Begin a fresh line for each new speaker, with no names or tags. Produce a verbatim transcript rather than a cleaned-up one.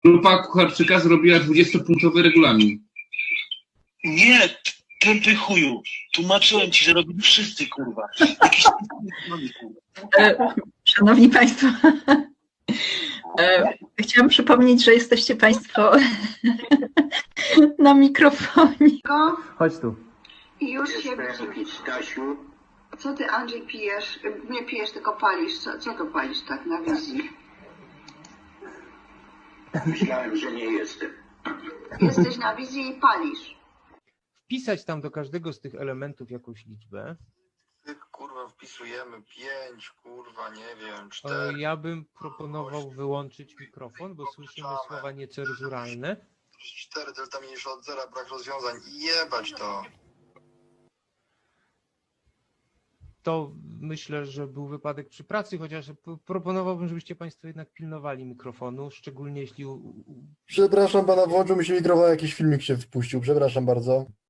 Grupa Kucharczyka zrobiła dwudziestopunktowy regulamin.
Nie, tępy chuju. Tłumaczyłem ci, że robili wszyscy, kurwa. Jakiś
E, Szanowni Państwo, e, chciałam przypomnieć, że jesteście Państwo na mikrofonie.
Chodź tu.
I już się widzisz.
Stasiu,
Co ty, Andrzej, pijesz? Nie pijesz, tylko palisz. Co, co to palisz tak na wizji?
myślałem, że nie jestem.
Jesteś na wizji i palisz.
Wpisać tam do każdego z tych elementów jakąś liczbę.
Kurwa, wpisujemy pięć, kurwa, nie wiem,
E,
cztery.
Ja bym proponował wyłączyć mikrofon, bo słyszymy słowa niecenzuralne.
cztery delta mniejsze od zera, brak rozwiązań. Jebać to.
To myślę, że był wypadek przy pracy, chociaż p- proponowałbym, żebyście Państwo jednak pilnowali mikrofonu, szczególnie jeśli u- u-
Przepraszam pana, włączył mi się mikrofon, jakiś filmik się wpuścił, przepraszam bardzo.